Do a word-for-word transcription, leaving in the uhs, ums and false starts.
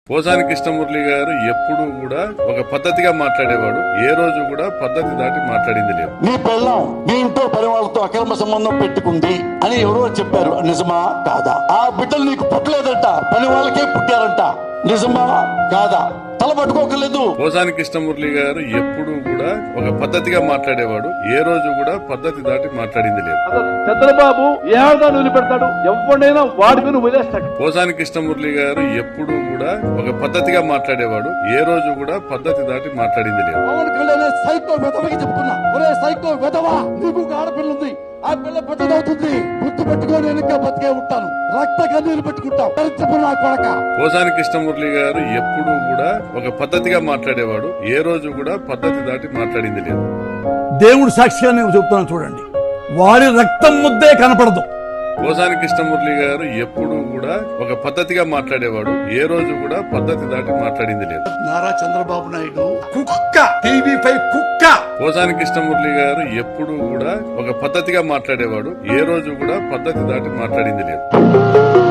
పోసాని కృష్ణమురళి గారు ఎప్పుడు కూడా ఒక పద్ధతిగా మాట్లాడేవాడు. ఏ రోజు కూడా పద్ధతి దాటి మాట్లాడింది లేదు. నీ పెళ్ళం నీ ఇంట్లో పని వాళ్ళతో అక్రమ సంబంధం పెట్టుకుంది అని ఎవరో చెప్పారు, నిజమా కాదా? ఆ బిడ్డలు నీకు పుట్టలేదంట, పని వాళ్ళకే పుట్టారంట, నిజమా కాదా? తల పట్టుకోకలేదు. పోసాని కృష్ణమురళి గారు ఎప్పుడు కూడా ఒక పద్ధతిగా మాట్లాడేవాడు. ఏ రోజు కూడా పద్ధతి దాటి మాట్లాడింది లేదు. చంద్రబాబు ఏడాది వదిలిపెడతాడు, ఎవరినైనా వాడుకుని వదిలేస్తాడు. పోసాని కృష్ణమురళి గారు ఎప్పుడు కూడా ఒక పద్ధతిగా మాట్లాడేవాడు. ఏ రోజు కూడా పద్ధతి దాటి మాట్లాడింది లేదు. పవన్ కళ్యాణ్ సైకో వెధవకి చెప్తున్నా, ఒరే సైకో వెధవా, నీకు ఆడపిల్ల ఉంది, ఆ పిల్ల పెద్దదవుతుంది, గుర్తు పెట్టుకొని వెనుక బతికే ఉంటాను, రక్త కన్నీరు పెట్టుకుంటాం. నా కొడక. పోసాని కృష్ణమురళి గారు ఎప్పుడు కూడా ఒక పద్ధతిగా మాట్లాడేవాడు. ఏ రోజు కూడా పద్ధతి దాటి మాట్లాడింది లేదు. దేవుడు సాక్షిగా నేను చెప్తున్నాను చూడండి, వారి రక్తం ముద్దే కనపడదు. పోసాని కృష్ణమురళి గారు ఎప్పుడు కూడా ఒక పద్ధతిగా మాట్లాడేవాడు. ఏ రోజు కూడా పద్ధతి దాటి మాట్లాడింది లేదు. నారా చంద్రబాబు నాయుడు కుక్క, టీవీ పై కుక్క. పోసాని కృష్ణమురళి గారు ఎప్పుడు కూడా ఒక పద్ధతిగా మాట్లాడేవాడు. ఏ రోజు కూడా పద్ధతి దాటి మాట్లాడింది లేదు.